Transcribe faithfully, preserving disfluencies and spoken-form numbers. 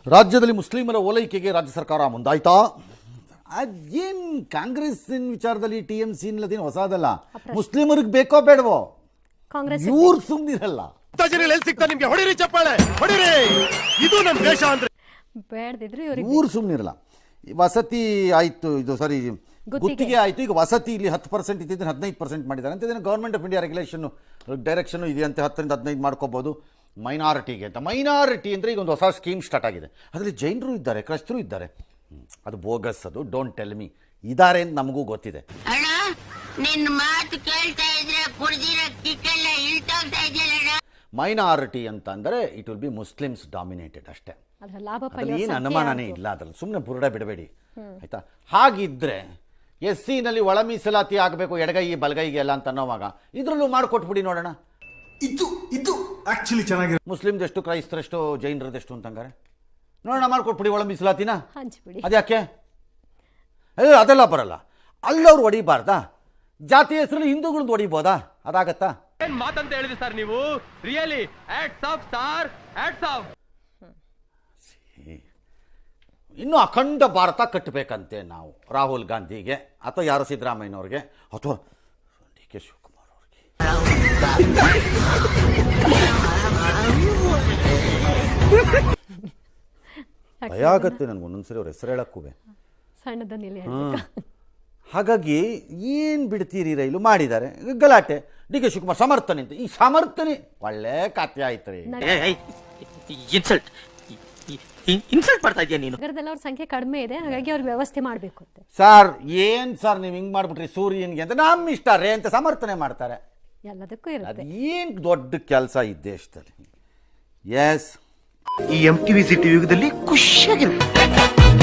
ರಾಜ್ಯದಲ್ಲಿ ಮುಸ್ಲಿಮರ ಓಲೈಕೆಗೆ ರಾಜ್ಯ ಸರ್ಕಾರ ಮುಂದಾಯ್ತಾ? ಅದೇನು ಕಾಂಗ್ರೆಸ್ಸಿನ ವಿಚಾರದಲ್ಲಿ ಟಿ ಎಂ ಸಿ ಇಲ್ಲದೇನು ಹೊಸದಲ್ಲ. ಮುಸ್ಲಿಮರಿಗೆ ಬೇಕೋ ಬೇಡವೋ ಕಾಂಗ್ರೆಸ್ ಇವ್ರು ಸುಮ್ಮನಿರಲ್ಲ. ನಿಮ್ಗೆ ಹೊಡಿರಿ ಚಪ್ಪಾಳೆ ಹೊಡಿರಿ, ಇದು ನಮ್ಮ ದೇಶ ಅಂದ್ರೆ ಬೇಡದಿದ್ರು ಇವ್ರು ಸುಮ್ಮನಿರಲ್ಲ. ವಸತಿ ಆಯ್ತು, ಇದು ಸಾರಿ ಗುತ್ತಿಗೆ ಆಯ್ತು. ಈಗ ವಸತಿ ಇಲ್ಲಿ ಹತ್ತು ಪರ್ಸೆಂಟ್ ಇದ್ದಿದ್ದು ಹದಿನೈದು ಪರ್ಸೆಂಟ್ ಮಾಡಿದ್ದಾರೆ ಅಂತ. ಇದನ್ನು government of India regulation direction ಇದೆಯಂತೆ, ಹತ್ತರಿಂದ ಹದಿನೈದು ಮಾಡ್ಕೋಬಹುದು ಮೈನಾರಿಟಿಗೆ ಅಂತ. ಮೈನಾರಿಟಿ ಅಂದರೆ ಈಗ ಒಂದು ಹೊಸ ಸ್ಕೀಮ್ ಸ್ಟಾರ್ಟ್ ಆಗಿದೆ. ಅದರಲ್ಲಿ ಜೈನರು ಇದ್ದಾರೆ, ಕ್ರೈಸ್ತರು ಇದ್ದಾರೆ. ಅದು ಬೋಗಸ್, ಅದು ಡೋಂಟ್ ಟೆಲ್ ಮಿ. ಇದ್ದಾರೆ ಅಂತ ನಮಗೂ ಗೊತ್ತಿದೆ. ಅಣ್ಣ ನಿನ್ನ ಮಾತು ಕೇಳ್ತಾ ಇದ್ರೆ ಕುಡ್ದಿರೋ ಕಿಕ್ಕೆಲ್ಲ ಇಳ್ತೋಗ್ತಾ ಇದೆಯಲ್ಲ. ಮೈನಾರಿಟಿ ಅಂತ ಅಂದರೆ it will be Muslims dominated ಅಷ್ಟೇ. ಏನು ಅನುಮಾನನೇ ಇಲ್ಲ ಅದ್ರಲ್ಲಿ. ಸುಮ್ಮನೆ ಬುರುಡ ಬಿಡಬೇಡಿ ಆಯ್ತಾ. ಹಾಗಿದ್ರೆ ಎಸ್ ಸಿನಲ್ಲಿ ಒಳ ಮೀಸಲಾತಿ ಆಗಬೇಕು ಎಡಗೈ ಬಲಗೈಗೆ ಎಲ್ಲ ಅಂತ ಅನ್ನೋವಾಗ ಇದರಲ್ಲೂ ಮಾಡಿಕೊಟ್ಬಿಡಿ ನೋಡೋಣ. ಇದು ಇದು ಆಕ್ಚುಲಿ ಚೆನ್ನಾಗಿ ಮುಸ್ಲಿಮ್ದೆಷ್ಟು, ಕ್ರೈಸ್ತರೆಷ್ಟು, ಜೈನರದೆಷ್ಟು ಅಂತಂಗಾರೆ ನೋಡೋಣ, ಮಾಡ್ಕೊಟ್ಬಿಡಿ ಒಳ ಮೀಸಲಾತಿನ. ಹಂಚ್ಬಿಡಿ. ಅದ್ಯಾಕೆ? ಏ ಅದೆಲ್ಲ ಬರಲ್ಲ. ಅಲ್ಲವ್ರು ಹೊಡಿಬಾರ್ದಾ? ಜಾತಿ ಹೆಸರಲ್ಲಿ ಹಿಂದೂಗಳದ್ದು ಹೊಡಿಬೋದಾ? ಅದಾಗತ್ತಾ? ಏನ್ ಮಾತಂತ ಹೇಳಿದ್ರಿ ಸರ್ ನೀವು? Really hats off sir, hats off. ಇನ್ನು ಅಖಂಡ ಭಾರತ ಕಟ್ಟಬೇಕಂತೆ ನಾವು ರಾಹುಲ್ ಗಾಂಧಿಗೆ, ಅಥವಾ ಯಾರು ಸಿದ್ದರಾಮಯ್ಯನವ್ರಿಗೆ, ಅಥವಾ ಡಿ ಕೆ ಶಿವಕುಮಾರ್ ಅವ್ರಿಗೆ. ಭಯ ಆಗತ್ತೆ ನನಗೆ ಒಂದೊಂದ್ಸರಿ ಅವ್ರ ಹೆಸರು ಹೇಳಕ್ಕೂ. ಸಣ್ಣದನ್ನೆಲ್ಲಿ ಹಾಗಾಗಿ ಏನು ಬಿಡ್ತೀರಿ, ರೈಲು ಮಾಡಿದ್ದಾರೆ ಗಲಾಟೆ. ಡಿ ಕೆ ಶಿವಕುಮಾರ್ ಸಮರ್ಥನೆ ಅಂತ. ಈ ಸಮರ್ಥನೆ ಒಳ್ಳೆ ಖಾತೆ ಆಯ್ತು ರೀ. ಇನ್ಸಲ್ಟ್ ಇನ್ಸಲ್ಟ್ ಮಾಡ್ತಾ ಇದೆಯಾ ನೀನು? ನಗರದಲ್ಲಿ ಅವ್ರ ಸಂಖ್ಯೆ ಕಡಿಮೆ ಇದೆ, ಹಾಗಾಗಿ ಅವ್ರಿಗೆ ವ್ಯವಸ್ಥೆ ಮಾಡಬೇಕು ಅಂತ. ಸರ್ ಏನ್ ಸರ್ ನೀವು ಹಿಂಗ್ ಮಾಡ್ಬಿಟ್ರಿ ಸೂರ್ಯನ್ಗೆ ಅಂತ, ನಮ್ಮ ಇಷ್ಟ ರೇ ಅಂತ ಸಮರ್ಥನೆ ಮಾಡ್ತಾರೆ. ಎಲ್ಲದಕ್ಕೂ ಇರುತ್ತೆ. ಏನ್ ದೊಡ್ಡ ಕೆಲಸ ಈ ದೇಶದಲ್ಲಿ. ಎಸ್, ಈ ಎಂ ಟಿವಿ ಸಿಟಿ ಯುಗದಲ್ಲಿ ಖುಷಿಯಾಗಿರುತ್ತೆ.